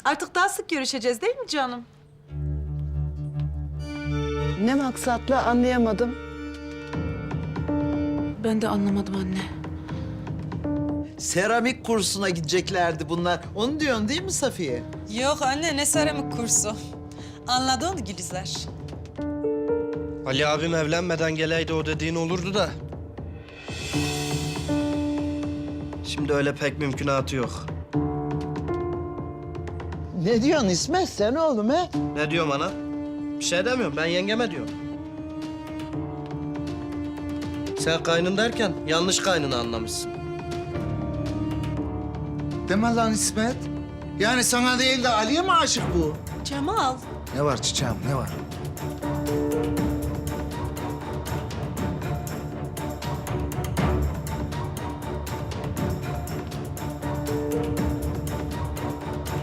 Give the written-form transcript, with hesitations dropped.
Artık daha sık görüşeceğiz değil mi canım? Ne maksatla anlayamadım. Ben de anlamadım anne. Seramik kursuna gideceklerdi bunlar. Onu diyorsun değil mi Safiye? Yok anne, ne seramik kursu. Anladın Gülizar. Ali abim evlenmeden geleydi o dediğin olurdu da. Şimdi öyle pek mümkünatı yok. Ne diyorsun İsmet sen oğlum he? Ne diyorum ana? Bir şey demiyorum, ben yengeme diyorum. Sen kaynın derken yanlış kaynını anlamışsın. Deme lan İsmet. Yani sana değil de Ali'ye mi aşık bu? Cemal. Ne var çiçeğim, ne var?